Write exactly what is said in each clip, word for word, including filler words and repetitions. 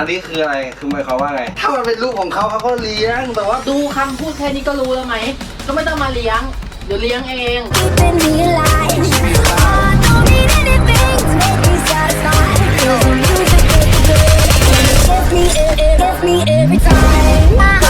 อันนี้คืออะไรคือหมายความว่าไงถ้ามันเป็นลูกของเขาเขาก็เลี้ยงแต่ว่าดูคำพูดแค่นี้ก็รู้แล้วไหมก็ไม่ต้องมาเลี้ยงเดี๋ยวเลี้ยงเอง Keeping me alive. I don't need anything to make me satisfied. 'Cause the music is good. And it gets me, it, it gets me every time.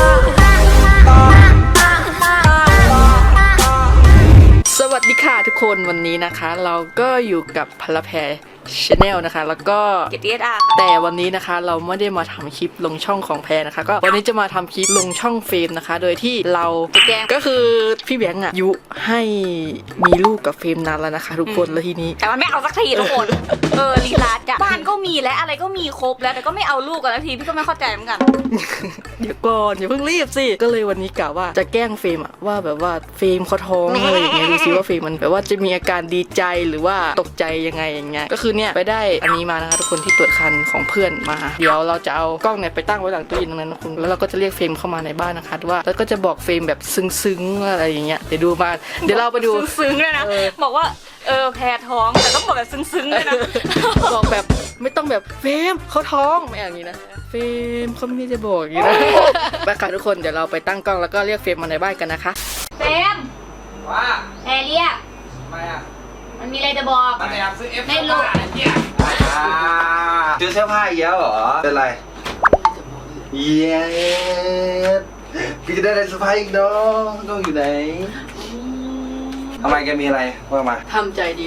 สวัสดีค่ะทุกคนวันนี้นะคะ เราก็อยู่กับพลแพรชาแนลนะคะแล้วก็เกตเอสอาร์แต่วันนี้นะคะเราไม่ได้มาทำคลิปลงช่องของแพรนะคะก็วันนี้จะมาทำคลิปลงช่องเฟรมนะคะ โดยที่เราแกล้งก็คือพี่แบงค์อะยุให้มีลูกกับเฟรมนานแล้วนะคะ ทุกคนแล้วทีนี้แต่มันไม่เอาสักทีทุกคน เออลีลาจ้ะบ้านก็มีและอะไรก็มีครบแล้วแต่ก็ไม่เอาลูกกันสักทีพี่ก็ไม่เข้าใจเหมือนกันเดี๋ยวก่อนอย่าเพิ่งรีบสิก็เลยวันนี้กะว่าจะแกล้งเฟรมอะว่าแบบว่าเฟรมเขาท้องอะไรอย่างเงี้ยดูซิว่าเฟรมมันแบบว่าจะมีอาการดีใจหรือว่าตกใจยังไงอย่างเงี้ยก็คือเนี่ยไปได้อันนี้มานะคะทุกคนที่ตรวจคันของเพื่อนมาเดี๋ยวเราจะเอากล้องเนี่ยไปตั้งไว้หลังตู้เย็นตรงนั้นนะคุณแล้วเราก็จะเรียกเฟรมเข้ามาในบ้านนะคะว่าแล้วก็จะบอกเฟรมแบบซึ้งๆอะไรอย่างเงี้ยเดี๋ยวดูมาเดี๋ยวเราไปดูซึ้งๆเลยนะบอกว่าเออแพ้ท้องแต่ต้องบอกแบบซึ้งๆเลยนะบอกแบบไม่ต้องแบบเฟรมเขาท้องไม่อย่างนี้นะเฟรมเขาไม่ได้จะบอกอย่างนี้นะไปค่ะทุกคนเดี๋ยวเราไปตั้งกล้องแล้วก็เรียกเฟรมมาในบ้านกันนะคะเฟมว่าแพรเรียกทำไมอ่ะมันมีอะไรจะบอกมันอยากซื้อเอฟไม่รู้เนี่ยซื้อเสื้อผ้าอีกแล้วเหรอเป็นไรเย้พี่จะได้อะไรเสื้อผ้าอีกเนาะต้องอยู่ไหนทำไมแกมีอะไรว่ามาทำใจดี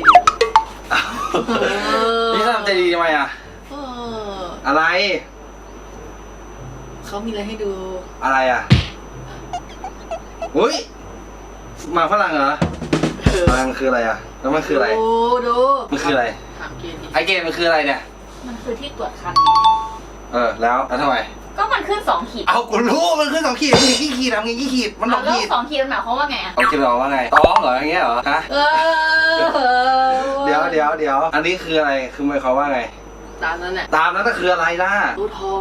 นี่ทำใจดีทำไมอ่ะเอออะไรเขามีอะไรให้ดูอะไรอ่ะอุ้ยหมาฝรั่งเหรอมันคืออะไรอ่ะแล้วมันคืออะไรดูดูมันคืออะไรถามเกณฑ์ดิไอเกมมันคืออะไรเนี่ยมันคือที่ตรวจคันเออแล้วแล้วทำไมก็มันขึ้นสองขีดเอากูรู้มันขึ้นสองขีดมันกี่ขีดทำไงกี่ขีดมันสองแล้วขีดสองขีดมันหมายความว่าไงอะเอาคิดบอกว่าไงท้องเหรออย่างเงี้ยเหรอฮะเออเดี๋ยวเดี๋ยวเดี๋ยวอันนี้คืออะไรคือหมายความว่าไงตามนั้นแหละตามนั้นก็คืออะไรล่ะดูท้อง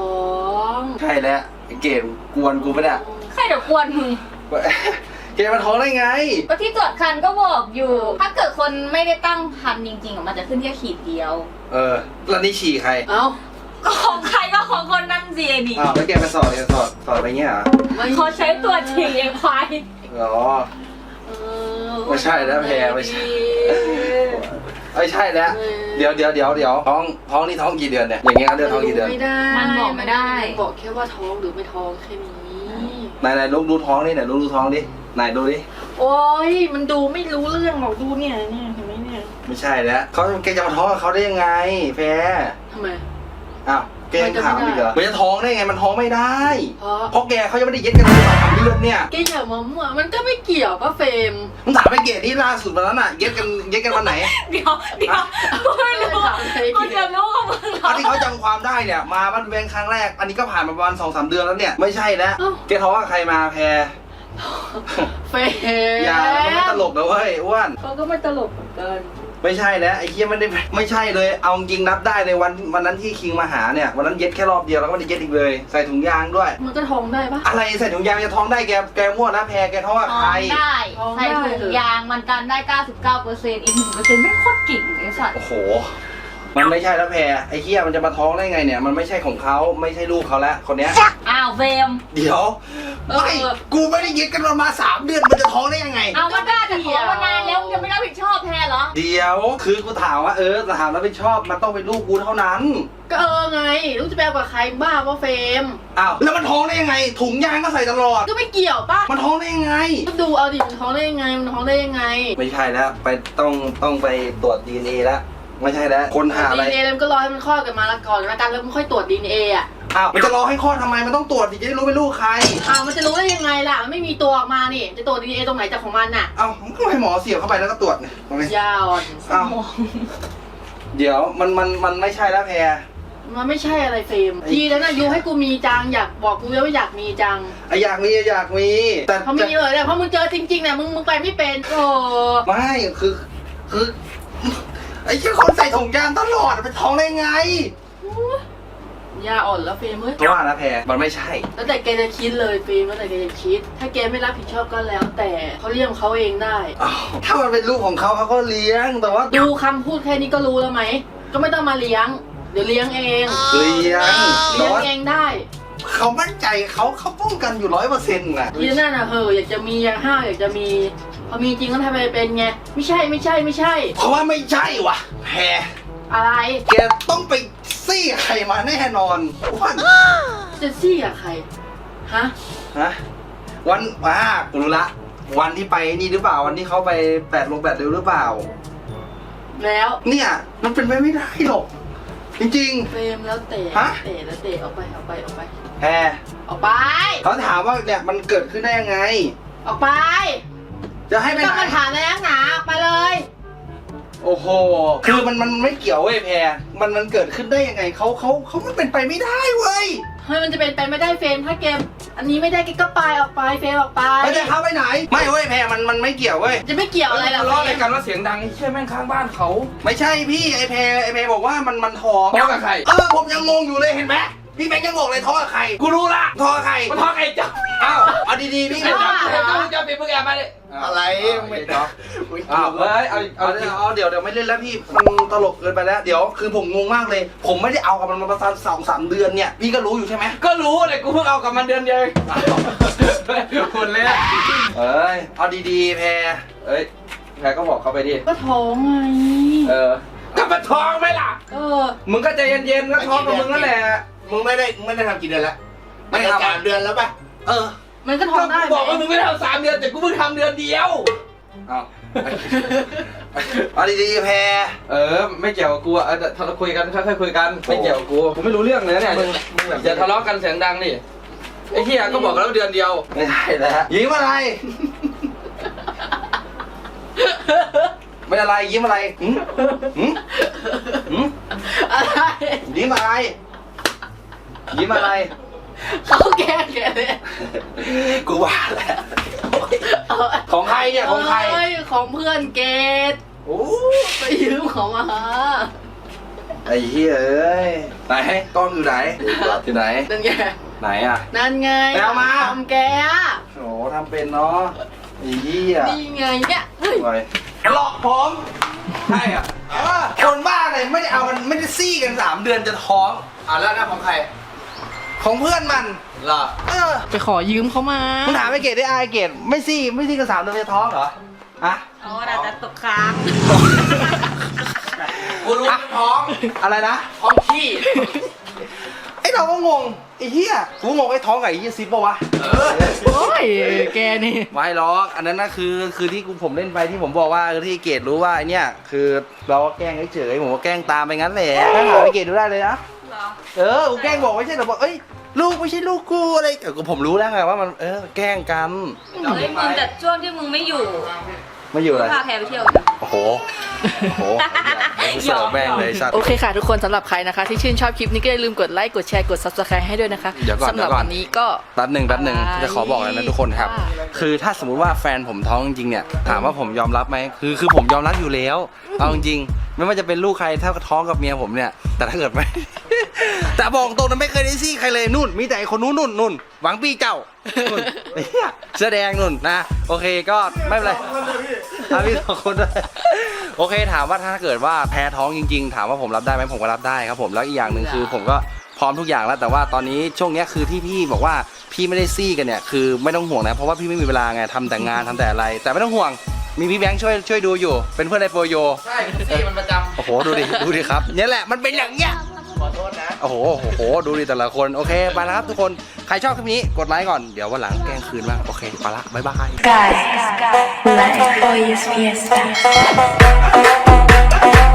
ใช่แล้วไอเกมกวนกูไม่ได้ใครเดี๋ยวกวนมึงเกมมันท้องได้ไงก็ที่ตรวจคันก็บอกอยู่ ถ้าเกิดคนไม่ได้ตั้งคันจริงๆอะมันจะขึ้นแค่ขีดเดียวเออแล้วนี่ฉี่ใครเอ้าก็ของใครก็ของคนนั้นสิไอ้ดิอ้าวแล้วแกมาสอดแกสอดสอดไปเงี้ยเหรอเขาใช้ตัวจริงเองควายอ๋อเออไม่ใช่แล้วแพรไม่ใช่ ไม่ใช่แล้วเดี๋ยวเดี๋ยวเดี๋ยวเดี๋ยวท้องท้องนี่ท้องกี่เดือนเนี่ยอย่างเงี้ยเขาเรียกท้องกี่เดือนไม่ได้มันบอกไม่ได้มันบอกแค่ว่าท้องหรือไม่ท้องแค่นี้ไหนไหนลูกดูท้องนี่ไหนลูกดูท้องดิไหนดูดิโอ้ยมันดูไม่รู้เรื่องหรอกดูเนี่ยเนี่ยเห็นไหมเนี่ยไม่ใช่แล้วเขาแกจะมาท้องกับเขาได้ยังไงแพรทำไมอ้าวแกยังถามอีกเหรอมันจะท้องได้ไงมันท้องไม่ได้เพราะเพราะแกเขายังไม่ได้เย็ดกันเลยสองสามเดือนเนี่ยแกอย่ามามั่วมันก็ไม่เกี่ยวป่ะเฟรมมึงถามไปเกดที่ล่าสุดมาแล้วน่ะเย็ดกันเย็ดกันวันไหนเดี๋ยวเดี๋ยวกูไม่รู้กูจะรู้กับมึงเหรอัอนที่เขาจำความได้เนี่ยมาบ้านเวงครั้งแรก อันนี้ก็ผ่านมาประมาณสองสามเดือนแล้วเนี่ยไม่ใช่แล้วแกท้องกับใครมาแพรเฟรมอย่ามันไม่ตลกนะเว้ยอ้วนเขาก็ไม่ตลกเหมือนกันไม่ใช่แล้วไอ้เคียไม่ได้ไม่ใช่เลยเอาจริงนับได้ในวันวันนั้นที่คิงมาหาเนี่ยวันนั้นเย็ดแค่รอบเดียวแล้วก็ไม่ได้เย็ดอีกเลยใส่ถุงยางด้วยมันก็ท้องได้ปะอะไรใส่ถุงยางจะท้องได้แกแกมั่วนะแพรแกท้องกับท้อใครงได้ท้องได้ใส่ถุงยางมันกันได้ เก้าสิบเก้าเปอร์เซ็นต์ อีก หนึ่งเปอร์เซ็นต์ ไม่โคตรเก่งเลยสัตว์โอ้โหมันไม่ใช่แล้วแพรไอ้เคียมันจะมาท้องได้ไงเนี่ยมันไม่ใช่ของเขาไม่ใช่ลูกเขาแล้วคนเนี้ยอ้าวเฟรมเดี๋ยวไม่กูไม่ได้เย็ดกันมาสามเดือนมันจะท้องได้ยังไงเอามันได้แต่ท้องมานานแล้วมึงจะไม่รับผิดชอบแทนเหรอเดี๋ยวคือกูถามว่าเออถามแล้วไม่ชอบมันต้องเป็นลูกกูเท่านั้นก็เออไงลูกจะไปเอากับใครบ้าว่าเฟรมอ้าวแล้วมันท้องได้ยังไง ถุงยางก็ใส่ตลอดก็ไม่เกี่ยวป่ะมันท้องได้ยังไงก็ดูเอาดิมันท้องได้ยังไงมันท้องได้ยังไงไม่ใช่แล้วไปต้องต้องไปตรวจ ดี เอ็น เอ แล้วไม่ใช่แล้วคนหาอะไรดีเอ็นเอมันก็รอให้มันคลอดกันมาละก่อนแล้วกันแล้วมันค่อยตรวจดีเอ็นเออ่ะอ้าวมันจะรอให้คลอดทำไมมันต้องตรวจดิจะได้รู้เป็นลูกใครอ้าวมันจะรู้ได้ยังไงล่ะมันไม่มีตัวออกมานี่จะตรวจดีเอ็นเอตรงไหนจากของมันน่ะเอ้ามันก็ให้หมอเสียบเข้าไปแล้วก็ตรวจเนี่ยตรงนี้ยาวอ่อนอ้าวเดี๋ยวมันมันมันไม่ใช่แล้วแพรมันไม่ใช่อะไรเฟรมทีแล้วนะยูให้กูมีจังอยากบอกกูแล้วว่าอยากมีจังไออยากมีอยากมีแต่เขาไม่มีเลยเนี่ยเพราะมึงเจอจริงๆเนี่ยมึงมึงไปไม่เป็นโอ้ไม่คือคือไอ้แค่คนใส่ถุงยางตลอดเป็นท้องได้ไงยาอ่อนแล้วเฟรมเฮ้ยเพราะว่านะแพรมันไม่ใช่แล้วแต่แกจะคิดเลยเฟรมแล้วแต่แกจะคิด ถ้าแกไม่รับผิดชอบก็แล้ว แต่เขาเลี้ยงเขาเองได้อ้าวถ้ามันเป็นลูกของเขาเขาก็เลี้ยงแต่ว่าดูคำพูดแค่นี้ก็รู้แล้วไหมก็ไม่ต้องมาเลี้ยง เดี๋ยวเลี้ยงเองเลี้ยงแต่เลี้ยงว่าเองเขามั่นใจเขาเขาป้องกันอยู่ร้อยเปอร์เซ็นต์น่ะยีนั่นน่ะเหอะอยากจะมีอยากห้าวอยากจะมีพอมีจริงก็ทำไมเป็นไงไม่ใช่ไม่ใช่ไม่ใช่เพราะว่าไม่ใช่วะแพรอะไรแกต้องไปซี่ใครมาแน่นอนวันจะซี่กับใครฮะฮะวันอ่ากูรู้ละวันที่ไปนี่หรือเปล่าวันที่เขาไปแปดลงแปดเร็วหรือเปล่าแล้วเนี่ยมันเป็นไปไม่ได้หรอกจริงเฟรมแล้วเตะฮะเตะแล้วเตะออกไปออกไปออกไปๆแพรออกไปเขาถามว่าเนี่ยมันเกิดขึ้นได้ยังไงออกไปจะให้ไปไม่ต้องไหนมาถามอะไรนักหนาออกไปเลยโอ้โหคือมันมันไม่เกี่ยวเว้ยแพรมันมันเกิดขึ้นได้ยังไงเขาเขาเขามันเป็นไปไม่ได้เว้ยเฮ้ยมันจะเป็นไปไม่ได้เฟรมถ้าเกมอันนี้ไม่ได้เกมก็ไปออกไปเฟรมออกไปไม่ได้เขาไปไหน ไม่เว้ยแพรมันมันไม่เกี่ยวเว้ยจะไม่เกี่ยวอะไรหรอกทะเลาะอะไรกันว่าเสียงดังไอ้เชี่ยแม่งข้างบ้านเขาไม่ใช่พี่ไอแพรไอแพรบอกว่ามันมันท้องท้องกับใครเออผมยังงงอยู่เลยเห็นไหมพี่แบงค์ยังงงเลยท้องกับใครกูรู้ละท้องกับใครมันท้องไอ้เจ้าอ้าวเอาดีๆพี่ไอ้เจ้าไอ้เจ้าเจ้าปิดมึงแอบมาดิอะไรไม่ท้องอ้าวเฮ้ยเอาเอาเอาเดี๋ยวเอาเดี๋ยวเดี๋ยวไม่เล่นแล้วพี่มันตลกเกินไปแล้วเดี๋ยวคือผมงงมากเลย ผมไม่ได้เอากับมันมาประมาณสองสามเดือนเนี่ยพี่ก็รู้อยู่ใช่ไหมก็รู้เลยกูเพิ่งเอากับมันเดือนเดียวเองคนเลยอะเอ้ยเอาดีๆแพรเอ้ยแพรก็บอกเขาไปดิก็ท้องไงเออก็มันท้องไหมล่ะเออมึงก็ใจเย็นๆก็ท้องกับมึงนั่นแหละมึงไม่ได้มึงไม่ได้ทำกี่เดือนแล้วไม่ไม่ทำทำสามเดือนแล้วป่ะเออมันก็ท้อก็งได้กูบอกว่ามึงไม่ได้ทำสามเดือนแต่กูเพิ่งทำเดือนเดียวเอาเอาดีๆแพรเออไม่เกี่ยวกับกูอ่ะเออทะเลาะคุยกันค่อยๆคุยกันไม่เกี่ยวกับกูกูไม่รู้เรื่องเลยเนี่ยมึงมึงแบบอย่าทะเลาะกันเสียงดังดิไอ้เหี้ยก็บอกแล้วเดือนเดียวไม่ได้แล้วยิ้มอะไรไม่อะไรยิ้มอะไรหืมหืมหืมอะไรยิ้มอะไรยิ้มอะไรเขาแกล้งแกเลยกูว่าแหละของใครเนี่ยของใครเอ้ยของเพื่อนเกดโอ้ไปยืมของมาไอ้เหี้ยเอ้ยไหนกล้องอยู่ไหนอยู่ไหนนั่นไงไหนอ่ะนั่นไงไปเอามาทำแกอะโอ้ทำเป็นเนาะไอ้เหี้ยนี่ไงเนี่ยเฮ้ยไปหลอกผมใช่อ่ะเออคนบ้าเลยไม่ได้เอามันไม่ได้ซี่กันสามเดือนจะท้องอ่ะแล้วนะของใคร ของเพื่อนมันเหรอเออไปขอยืมเขามามึงถามไอ้เกดได้ไอ้เกดไม่ซี่ไม่ซี่กันสามเดือนจะท้องเหรอฮะโอ้แต่จะตกค้างกูรู้ว่าท้องอะไรนะท้องขี้ไอ้เราก็งงไอ้เหี้ยกูงงไอ้ท้องกับไอ้เหี้ยซิปปะวะโอ้ยแกนี่ไม่หรอกอันนั้นนะคือคือที่กูผมเล่นไปที่ผมบอกว่าคือที่เกดรู้ว่าไอเนี่ยคือเราก็แกล้งเฉยๆผมก็แกล้งตามไปงั้นแหละถ้าหาไอเกดดูได้เลยนะเหรอเออกูแกล้งบอกไม่ใช่หรอกบอกเอ้ยลูกไม่ใช่ลูกกูอะไรเออผมรู้แล้วไงว่ามันเออแกล้งกันเฮ้ยมึงแต่ช่วงที่มึงไม่อยู่ไม่อยู่อะไรพาแพรไปเที่ยวอยู่นะโอ้โหโอ้โหเสิร์ฟแม่งเลยสัตว์โอเคค่ะทุกคนสำหรับใครนะคะ ที่ชื่นชอบคลิปนี้ก็อย่าลืมกดไลค์กดแชร์กด ซับสไครบ์ ให้ด้วยนะคะเดี๋ยวก่อนสำหรับเดี๋ยวก่อนวันนี้ก็แป๊บหนึ่งแป๊บหนึ่งอะไรจะขอบอกเลยนะทุกคนครับว่าคือถ้าสมมุติว่าแฟนผมท้องจริงๆเนี่ยถามว่าผมยอมรับไหมคือคือผมยอมรับอยู่แล้วเอาจริงๆไม่ว่าจะเป็นลูกใครถ้าท้องกับเมียผมเนี่ย แต่ถ้าเกิดไม่ แต่บอกตรงนั้นไม่เคยได้ซี่ใครเลยนู่น มีแต่ไอ้คนนู้นนู่นนู่นหวังปีเจ้านู่นเนี่ยเสื้อแดงนู่นนะโอเคก็ไม่เป็นไรอ่ะพี่สองคนด้วยโอเคถามว่าถ้าเกิดว่าแพ้ท้องจริง ๆ ถามว่าผมรับได้ไหมผมก็รับได้ครับผมแล้วอีกอย่างหนึ่งคือผมก็พร้อมทุกอย่างแล้วแต่ว่าตอนนี้ช่วงเนี้ยคือที่พี่บอกว่าพี่ไม่ได้ซี่กันเนี่ยคือไม่ต้องห่วงนะเพราะว่าพี่ไม่มีเวลาไงทำแต่งานทำแต่อะไร แต่ไม่ต้องห่วงมีพี่แบงค์ช่วยช่วยดูอยู่เป็นเพื่อนในโปรโยใช่ซี่มันประจำโอ้โหดูดิดูดิครับเนี่ยแหละมันเป็นอย่างเงี้ยขอโทษนะโอ้โหโอ้โหดูดิแต่ละคนโอเคไปแล้วครับทุกคนใครชอบคลิปนี้กดไลค์ก่อนเดี๋ยววันหลังแกล้งคืนบ้างโอเคไปละบ๊ายบาย Guys, life hoy es fiesta.